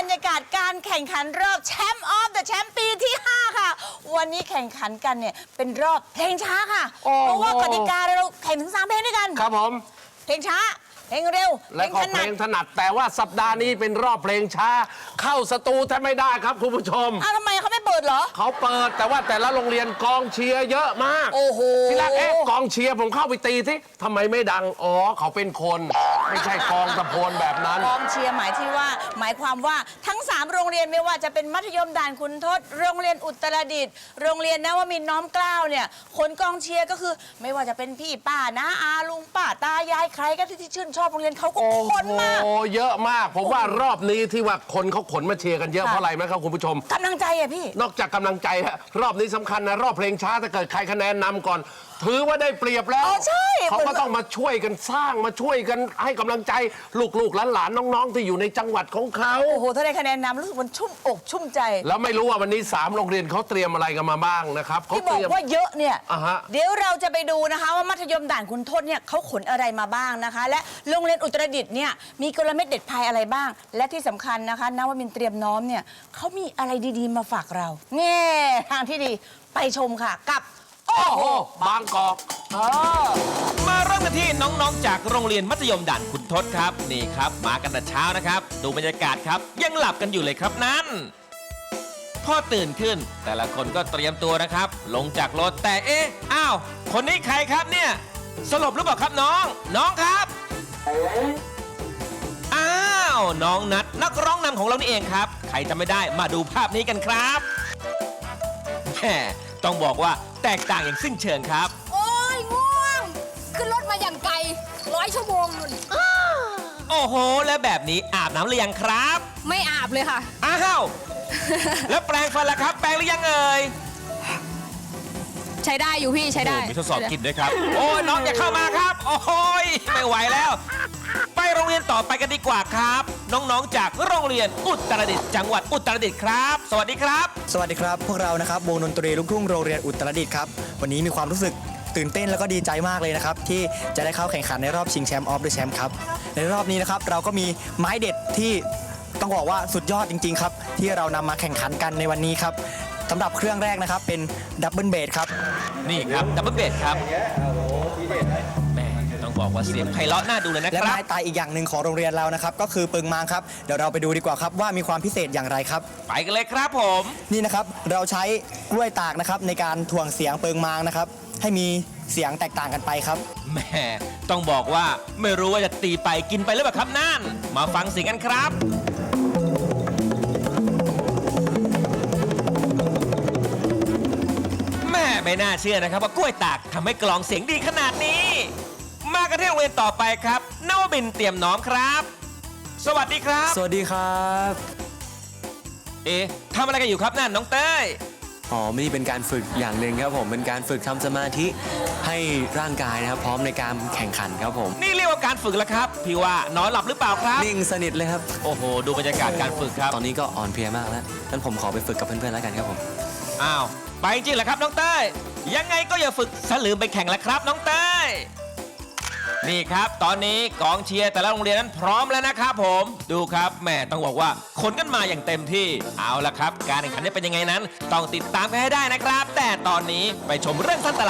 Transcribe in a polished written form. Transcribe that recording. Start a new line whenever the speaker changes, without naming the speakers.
รยากาศการแข่งขันรอบแชมป์ออฟเดอะแชมป์ปีที่ 5 ค่ะ วันนี้แข่งขันกันเนี่ยเป็นรอบเพลงช้าค่ะ เพราะว่ากติกาเราแข่งถึง3เพลงด้วยกัน
ครับผม
เพลงช้าเพลงเร็ว
และก็เพลงถนัดแต่ว่าสัปดาห์นี้เป็นรอบเพลงช้า เข้าสตูแทบไม่ได้ครับคุณผู้ชม
อ้าวทำไมเขาไม่เปิดเหรอ
เขาเปิดแต่ว่าแต่ละโรงเรียนกองเชียร์เยอะมาก
โอ้โห
ทีแรกกองเชียร์ผมเข้าไปตีสิทำไมไม่ดังอ๋อเขาเป็นคนไม่ใช่กองตะโพนแบบนั้น
กองเชียร์หมายความว่าทั้ง 3 โรงเรียนไม่ว่าจะเป็นมัธยมด่านคุณทศโรงเรียนอุตรดิตถ์โรงเรียนนวมินทร์น้อมเกล้าเนี่ยคนกองเชียร์ก็คือไม่ว่าจะเป็นพี่ป้านะอาลุงป้าตายายใครก็ที่ชื่นชอบโรงเรียนเขาก็คนมาก
โอ้เยอะมากผมว่ารอบนี้ที่ว่าคนเขาขนมาเชียร์กันเยอะเพราะอะไรไหมครับคุณผู้ชม
กำลังใจอะพี่
นอกจากกำลังใจฮะรอบนี้สำคัญนะรอบเพลงช้าถ้าเกิดใครคะแนนนำก่อน ถือว่าได้เปรียบแล้ว
อ๋อใช่
เขาก็ต้องมาช่วยกันสร้างมาช่วยกันให้กำลังใจลูกๆหลานๆน้องๆที่อยู่ในจังหวัดของเขา
โอ้โหถ้าได้คะแนนนำรู้สึกมันชุ่มอกชุ่มใจ
แล้วไม่รู้ว่าวันนี้3โรงเรียนเขาเตรียมอะไรกันมาบ้างนะครับเขา
ที่บ
เต
อก
รียม
ว่าเยอะเนี่ย
อ่าฮะ
เดี๋ยวเราจะไปดูนะคะว่ามัธยมด่านคุณทศเนี่ยเขาขนอะไรมาบ้างนะคะ และโรงเรียนอุตรดิตถ์เนี่ยมีกลเม็ดเด็ดพายอะไรบ้าง และที่สำคัญนะคะนวมินทร์เตรียมน้อมเนี่ยเขามีอะไรดีๆมาฝากเราเนี่ยทางที่ดีไปชมค่ะกับ
โอ้โหบางกอก
มาเริ่มกันที่น้องๆ จากโรงเรียนมัธยมด่านขุนทดครับ นี่ครับมากันแต่เช้านะครับ ดูบรรยากาศครับ ยังหลับกันอยู่เลยครับนั่นพอตื่นขึ้น แต่ละคนก็เตรียมตัวนะครับ ลงจากรถแต่เอ๊ะอ้าวคนนี้ใครครับเนี่ยสลบหรือเปล่าครับน้องน้องครับอ้าวน้องนัทนักร้องนำของเรานี่เองครับ ใครจะไม่ได้มาดูภาพนี้กันครับแหมต้องบอกว่าแตกต่างอย่างสิ้นเชิงครับ
โอ้ยง่วง ขึ้นรถมาอย่างไกล100 ชั่วโมงนุ่น
โอ้โห แล้วแบบนี้อาบน้ำหรือยังครับ
ไม่อาบเลยค่ะ
อ้าว แล้วแปรงฟันล่ะครับ แปรงหรือยังเอ่ย
ใช้ได้อยู่พี่ใช้ได้
โอ้มีทดสอบกลินด้วยครับ โอ้ยน้องอย่าเข้ามาครับ โอ้ยไม่ไหวแล้ว ไปโรงเรียนต่อไปกันดีกว่าครับ น้องๆ จากโรงเรียนอุตรดิตถ์จังหวัดอุตรดิตถ์ครับ สวัสดีครับ
สวัสดีครับ พวกเรานะครับวงดนตรีลูกทุ่งโรงเรียนอุตรดิตถ์ครับวันนี้มีความรู้สึกตื่นเต้นแล้วก็ดีใจมากเลยนะครับที่จะได้เข้าแข่งขันในรอบชิงแชมป์ออฟเดอะแชมป์ครับในรอบนี้นะครับเราก็มีไม้เด็ดที่ต้องบอกว่าสุดยอดจริงๆครับที่เรานำมาแข่งขันกันในวันนี้ครับสำหรับเครื่องแรกนะครับเป็นดับเบิลเบสครับ
นี่ครับดับเบิลเบสครับแหม่ต้องบอกว่าเสียงไพเราะน่าดูเลยนะ
และ
ครั
ไม้
บ
ตายอีกอย่างหนึ่งของโรงเรียนเรานะครับก็คือเปิงมางครับเดี๋ยวเราไปดูดีกว่าครับว่ามีความพิเศษอย่างไรครับ
ไปกันเลยครับผม
นี่นะครับเราใช้กล้วยตากนะครับในการถ่วงเสียงเปิงมางนะครับให้มีเสียงแตกต่างกันไปครับ
แหม่ต้องบอกว่าไม่รู้ว่าจะตีไปกินไปหรือเปล่าครับนั่น มาฟังเสียงกันครับ แม่ไม่น่าเชื่อนะครับว่ากล้วยตากทำให้กลองเสียงดีขนาดนี้ มากันที่โรงเรียนต่อไปครับนวมินทร์เตรียมน้อมครับ สวัสดีครับ
สวัสดีครับ
เอ๊ะทำอะไรกันอยู่ครับนั่นน้องเต้ย
อ๋อนี่เป็นการฝึกอย่างหนึ่งครับผมเป็นการฝึกทำสมาธิให้ร่างกายนะครับพร้อมในการแข่งขันครับผม
นี่เรียกว่าการฝึกแล้วครับ พี่ว่านอนหลับหรือเปล่าครับ
นิ่งสนิทเลยครับ
โอ้โห ดูบรรยากาศการฝึกครับ
ตอนนี้ก็อ่อนเพลียมากแล้วงั้นผมขอไปฝึกกับเพื่อนๆแล้วกันครับผม
อ้าว ไปจริงเหรอครับน้องเต้ย ยังไงก็อย่าฝึกสลืมไปแข่งละครับน้องเต้ย นี่ครับ ตอนนี้กองเชียร์แต่ละโรงเรียนนั้นพร้อมแล้วนะครับผม ดูครับแหม่ต้องบอกว่าขนกันมาอย่างเต็มที่ เอาละครับ การแข่งขันจะเป็นยังไงนั้น ต้องติดตามกันให้ได้นะครับ แต่ตอนนี้ไปชมเรื่องสั้นตลาด